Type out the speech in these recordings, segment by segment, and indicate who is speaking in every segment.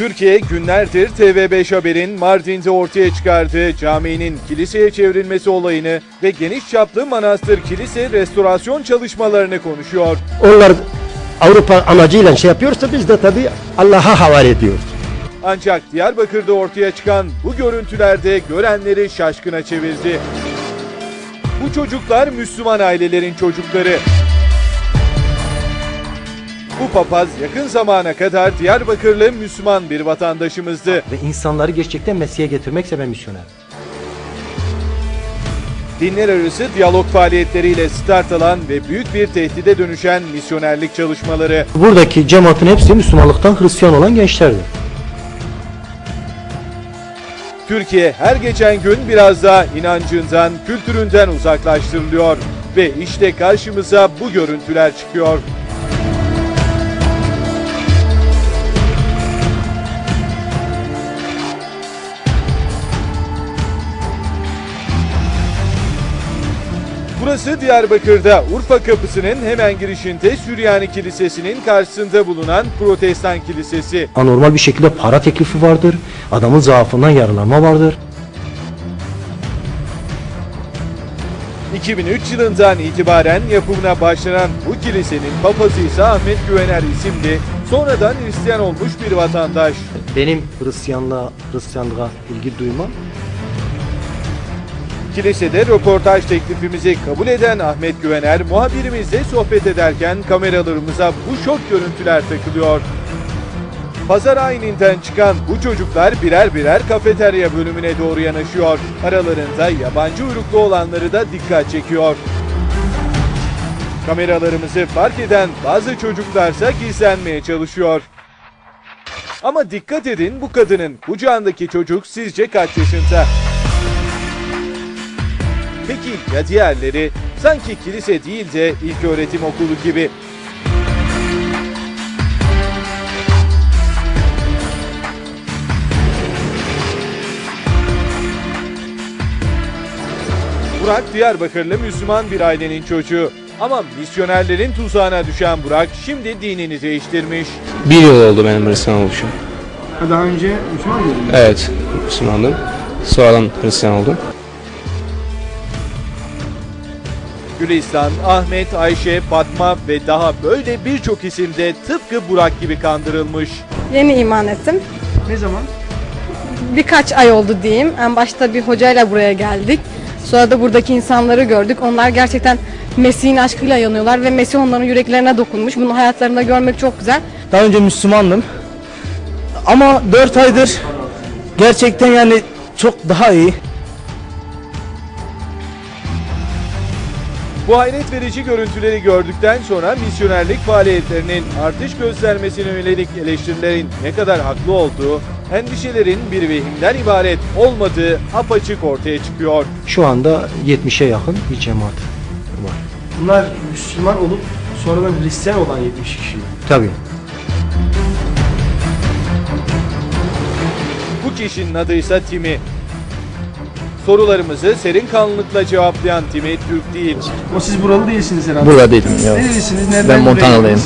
Speaker 1: Türkiye günlerdir TV5 Haber'in Mardin'de ortaya çıkardığı caminin kiliseye çevrilmesi olayını ve geniş çaplı manastır kilise restorasyon çalışmalarını konuşuyor.
Speaker 2: Onlar Avrupa amacıyla şey yapıyorsa biz de tabii Allah'a havale ediyoruz.
Speaker 1: Ancak Diyarbakır'da ortaya çıkan bu görüntülerde görenleri şaşkına çevirdi. Bu çocuklar Müslüman ailelerin çocukları. Bu papaz yakın zamana kadar Diyarbakırlı Müslüman bir vatandaşımızdı.
Speaker 2: Ve insanları gerçekten Mesih'e getirmekse ben misyoner.
Speaker 1: Dinler arası diyalog faaliyetleriyle start alan ve büyük bir tehdide dönüşen misyonerlik çalışmaları.
Speaker 2: Buradaki cemaatin hepsi Müslümanlıktan Hristiyan olan gençlerdir.
Speaker 1: Türkiye her geçen gün biraz daha inancından, kültüründen uzaklaştırılıyor. Ve işte karşımıza bu görüntüler çıkıyor. Burası Diyarbakır'da Urfa Kapısı'nın hemen girişinde Süryani Kilisesi'nin karşısında bulunan Protestan Kilisesi.
Speaker 2: Anormal bir şekilde para teklifi vardır. Adamın zaafından yararlanma vardır.
Speaker 1: 2003 yılından itibaren yapımına başlanan bu kilisenin papazı ise Ahmet Güvener isimli, sonradan Hristiyan olmuş bir vatandaş.
Speaker 2: Benim Hristiyanlığa ilgi duymam.
Speaker 1: Kilisede röportaj teklifimizi kabul eden Ahmet Güvener, muhabirimizle sohbet ederken kameralarımıza bu şok görüntüler takılıyor. Pazar ayininden çıkan bu çocuklar birer birer kafeterya bölümüne doğru yanaşıyor. Aralarında yabancı uyruklu olanları da dikkat çekiyor. Kameralarımızı fark eden bazı çocuklarsa gizlenmeye çalışıyor. Ama dikkat edin, bu kadının kucağındaki çocuk sizce kaç yaşında? Peki ya diğerleri? Sanki kilise değil de ilköğretim okulu gibi. Burak Diyarbakırlı Müslüman bir ailenin çocuğu. Ama misyonerlerin tuzağına düşen Burak şimdi dinini değiştirmiş.
Speaker 3: Bir yıl oldu benim Hristiyan oluşum.
Speaker 4: Daha önce Müslüman mıydın?
Speaker 3: Evet, Müslümandım. Sonradan Hristiyan oldum.
Speaker 1: Gülistan, Ahmet, Ayşe, Fatma ve daha böyle birçok isim de tıpkı Burak gibi kandırılmış.
Speaker 5: Yeni iman ettim.
Speaker 4: Ne zaman?
Speaker 5: Birkaç ay oldu diyeyim. En başta bir hocayla buraya geldik. Sonra da buradaki insanları gördük. Onlar gerçekten Mesih'in aşkıyla yanıyorlar ve Mesih onların yüreklerine dokunmuş. Bunu hayatlarında görmek çok güzel.
Speaker 6: Daha önce Müslümandım. Ama 4 aydır gerçekten yani çok daha iyi.
Speaker 1: Bu hayret verici görüntüleri gördükten sonra misyonerlik faaliyetlerinin artış göstermesine yönelik eleştirilerin ne kadar haklı olduğu, endişelerin bir vehimden ibaret olmadığı apaçık ortaya çıkıyor.
Speaker 2: Şu anda 70'e yakın bir cemaat var.
Speaker 4: Bunlar Müslüman olup sonradan Hristiyan olan 70 kişi mi?
Speaker 2: Tabii.
Speaker 1: Bu kişinin adı ise Timi. Sorularımızı serin kanlılıkla cevaplayan Timi Türk değil.
Speaker 4: O siz buralı değilsiniz herhalde.
Speaker 3: Burada değilim. Yok.
Speaker 4: Nerelisiniz? Nereden
Speaker 3: Ben
Speaker 4: buraya
Speaker 3: Montanalıyım.
Speaker 4: geldiniz?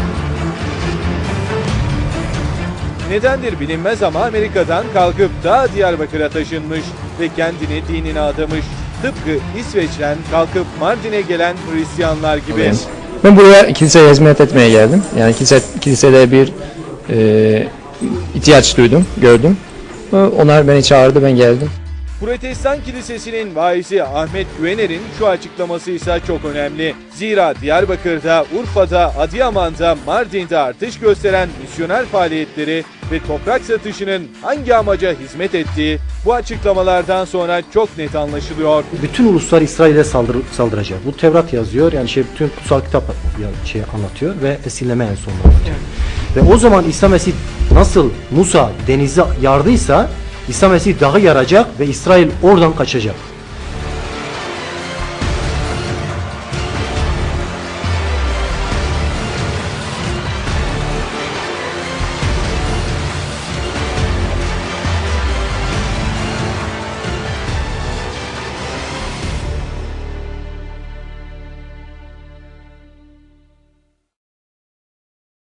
Speaker 1: Nedendir bilinmez ama Amerika'dan kalkıp da Diyarbakır'a taşınmış ve kendini dinine adamış. Tıpkı İsveç'ten kalkıp Mardin'e gelen Hristiyanlar gibi.
Speaker 3: Ben buraya kiliseye hizmet etmeye geldim. Yani kilisede bir ihtiyaç duydum, gördüm. Onlar beni çağırdı, ben geldim.
Speaker 1: Protestan Kilisesi'nin vaizi Ahmet Güvener'in şu açıklaması ise çok önemli. Zira Diyarbakır'da, Urfa'da, Adıyaman'da, Mardin'de artış gösteren misyoner faaliyetleri ve toprak satışının hangi amaca hizmet ettiği bu açıklamalardan sonra çok net anlaşılıyor.
Speaker 2: Bütün uluslar İsrail'e saldıracak. Bu Tevrat yazıyor. Yani bütün kutsal kitap anlatıyor ve esirleme en sonunda anlatıyor. Ve o zaman İsa Mesih nasıl Musa denize yardıysa İsa Mesih dağı yaracak ve İsrail oradan kaçacak.